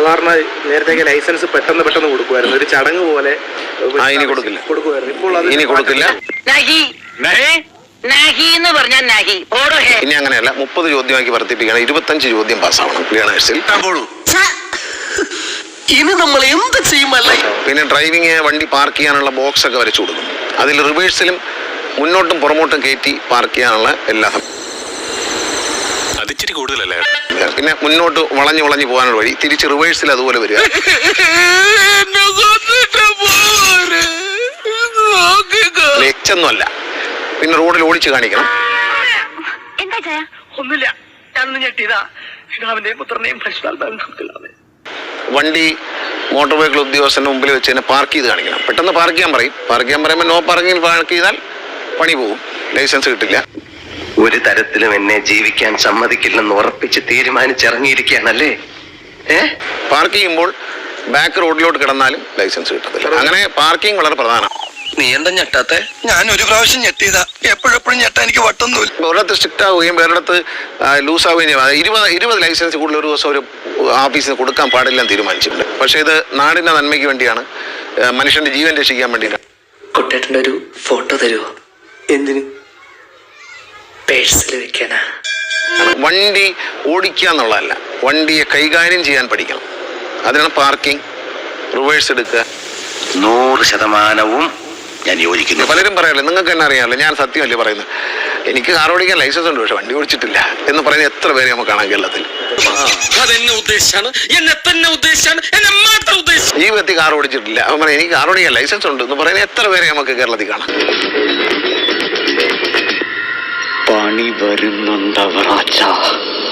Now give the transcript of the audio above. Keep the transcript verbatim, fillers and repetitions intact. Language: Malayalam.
സാധാരണ നേരത്തെ ലൈസൻസ് പെട്ടെന്ന് പെട്ടെന്ന് കൊടുക്കുമായിരുന്നു, ഒരു ചടങ്ങ് പോലെ കൊടുക്കില്ല കൊടുക്കുമായിരുന്നു. ഇപ്പോൾ അത് ഇനി കൊടുക്കില്ല. ഇനി അങ്ങനെയല്ല, മുപ്പത് ചോദ്യമാക്കി വർദ്ധിപ്പിക്കണം. ഇരുപത്തഞ്ച് ചോദ്യം പാസ്സാവണം ലേണേഴ്സിൽ. ഇനി നമ്മൾ എന്ത് ചെയ്യുമല്ല. പിന്നെ ഡ്രൈവിംഗ് വണ്ടി പാർക്ക് ചെയ്യാനുള്ള ബോക്സ് ഒക്കെ വരച്ചു കൊടുക്കും. അതിൽ റിവേഴ്സിലും മുന്നോട്ടും പുറമോട്ടും കയറ്റി പാർക്ക് ചെയ്യാനുള്ള എല്ലാ കൂടുതലല്ലേ. പിന്നെ മുന്നോട്ട് വളഞ്ഞു വളഞ്ഞു പോകാനുള്ള വഴി, തിരിച്ച് റിവേഴ്സിൽ അതുപോലെ വരിക. ലെച്ചൊന്നുമല്ല, പിന്നെ റോഡിൽ ഓടിച്ച് കാണിക്കണം. ഒന്നുമില്ല, ഞാനൊന്ന് ഞെട്ടിയതാ. പിതാവിന്റെയും പുത്രനെയും വണ്ടി മോട്ടോർ വെഹിക്കിൾ ഉദ്യോഗസ്ഥന്റെ മുമ്പിൽ വെച്ച് തന്നെ പാർക്ക് ചെയ്ത് കാണിക്കണം. പെട്ടെന്ന് പാർക്ക് ചെയ്യാൻ പറയും. പാർക്ക് ചെയ്യാൻ പറയുമ്പോൾ നോ പാർക്കിംഗ് പാർക്ക് ചെയ്താൽ പണി പോകും, ലൈസൻസ് കിട്ടില്ല. ഒരു തരത്തിലും എന്നെ ജീവിക്കാൻ സമ്മതിക്കില്ലെന്ന് ഉറപ്പിച്ച് തീരുമാനിച്ചിറങ്ങിയിരിക്കുകയാണല്ലേ. ഏഹ് പാർക്ക് ചെയ്യുമ്പോൾ ബാക്ക് റോഡിലോട്ട് കിടന്നാലും ലൈസൻസ് കിട്ടത്തില്ല. അങ്ങനെ പാർക്കിംഗ് വളരെ പ്രധാനം. നീ എന്താ ഞെട്ടാത്തെ? ഞാൻ ഒരു പ്രാവശ്യം ഞെട്ടിയതാ, എപ്പോഴെപ്പോഴും ഞെട്ടാ എനിക്ക് വട്ടൊന്നുമില്ല. ഒരിടത്ത് സ്ട്രിക്റ്റ് ആവുകയും വേറിടത്ത് ലൂസ് ആവുകയും ചെയ്യും. ഇരുപത് ഇരുപത് ലൈസൻസ് കൂടുതൽ ഒരു ദിവസം ഒരു ഓഫീസിന് കൊടുക്കാൻ പാടില്ലെന്ന് തീരുമാനിച്ചിട്ടുണ്ട്. പക്ഷേ ഇത് നാടിന്റെ നന്മയ്ക്ക് വേണ്ടിയാണ്, മനുഷ്യന്റെ ജീവൻ രക്ഷിക്കാൻ വേണ്ടിയിട്ടാണ്. കുട്ടേട്ടൻ്റെ ഒരു ഫോട്ടോ തരുമോ? എന്തിന്? പേഴ്സിൽ വെക്കാനാ. വണ്ടി ഓടിക്കുക എന്നുള്ളതല്ല, വണ്ടിയെ കൈകാര്യം ചെയ്യാൻ പഠിക്കണം. അതിനാണ് പാർക്കിംഗ്, റിവേഴ്സ് എടുക്കുക. നൂറ് ശതമാനവും ഞാൻ യോജിക്കുന്നു. പലരും പറയാറില്ല, നിങ്ങൾക്ക് തന്നെ അറിയാമല്ലോ, ഞാൻ സത്യമല്ലേ പറയുന്നത്. എനിക്ക് കാർ ഓടിക്കാൻ ലൈസൻസ് ഉണ്ട്, പക്ഷെ വണ്ടി ഓടിച്ചിട്ടില്ല എന്ന് പറയുന്ന എത്ര പേരെ നമുക്ക് കാണാം കേരളത്തിൽ. ജീവിതത്തിൽ കാർ ഓടിച്ചിട്ടില്ല, അവൻ പറയാം എനിക്ക് കാർ ഓടിക്കാൻ ലൈസൻസ് ഉണ്ട് എന്ന് പറയുന്ന എത്ര പേരെ നമുക്ക് കേരളത്തിൽ കാണാം. പണി വരുന്നുണ്ടവറാച്ച.